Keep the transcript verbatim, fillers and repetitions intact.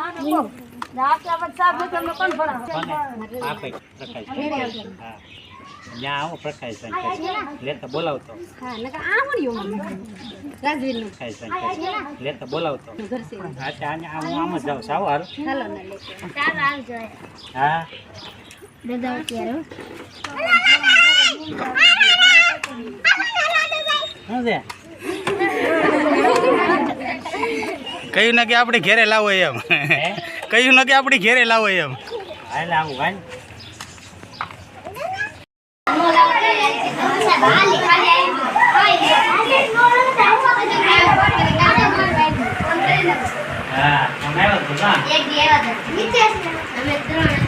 આવો પ્રકાશ લેતા બોલાવતો લેતા બોલાવતો આમ જ જાઉં સાવ હારું હા કયું ને કે આપણે ઘેરે લાવો એમ કયું ને કે આપણે ઘેરે લાવો એમ હાલ આવું ભાઈ હા